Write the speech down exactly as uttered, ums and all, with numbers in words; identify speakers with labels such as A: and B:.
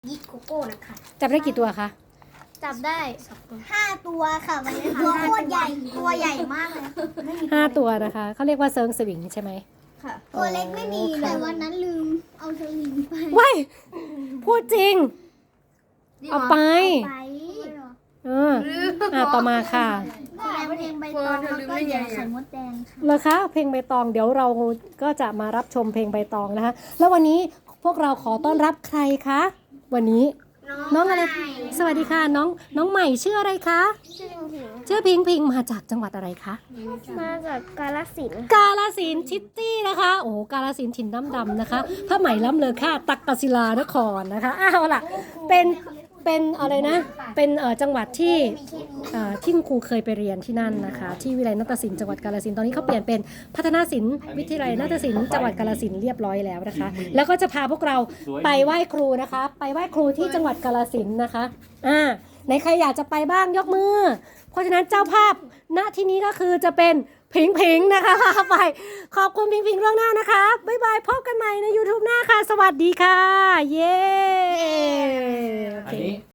A: ยิกโกโก้นะคะ
B: จับได้กี่ตัวคะ
A: จับได้ห้าตัวค่ะวันนี้
C: ตัวโคตรใหญ่
A: ตัวใหญ่มากเลย
B: ห้าตัวนะคะเขาเรียกว่าเซิร์งสวิงใช่ไหม
A: ค่ะ
C: ตัวเล็กไม่มี
B: โอ้ค่ะ
C: แต่วันนั้นลืมเอาสวิงไป
B: ว้ายพูดจริง เอาไป
C: ไป
B: เอออ่ะต่อมาค่ะ
C: แสดงเพลงใบตองแล้วก็เหยียบไข่มดแดงค่ะ
B: เหรอคะเพลงใบตองเดี๋ยวเราก็จะมารับชมเพลงใบตองนะคะ แล้ววันนี้พวกเราขอต้อนรับใครคะวันนี้น้องอะไรสวัสดีค่ะน้องน้องใหม่ชื่ออะไรคะ
C: ชื่อผิง
B: ชื่อพิงพิงมาจากจังหวัดอะไรคะ
C: มาจากกาลสินธุ์
B: กาลสินธุ์ชิตตี้นะคะ โอ้กาลสินธุ์ถิ่นน้ำดำนะคะผ้าไหมล้ำเลอค่าตักกศิลานครนะคะอ้าวล่ะเป็นเป็นอะไรนะเป็นเอ่อจังหวัดที่เอ่อที่ครูเคยไปเรียนที่นั่นนะคะ ที่วิทยาลัยนาฏศิลป์จังหวัดกาฬสินธุ์ตอนนี้เขาเปลี่ยนเป็นพัฒนาศิลป์วิทยาลัยนาฏศิลป์จังหวัดกาฬสินธุ์เรียบร้อยแล้วนะคะ แล้วก็จะพาพวกเราไปไหว้ครูนะคะ ไปไหว้ครูที่จังหวัดกาฬสินธุ์นะคะอ่าไหนใครอยากจะไปบ้างยกมือ เพราะฉะนั้นเจ้าภาพณที่นี้ก็คือจะเป็นพิงพิงนะคะไปขอบคุณพิงพิงเรื่องหน้านะคะบ๊ายบายพบกันใหม่ใน YouTube หน้าค่ะ สวัสดีค่ะ เย้
D: อันนี้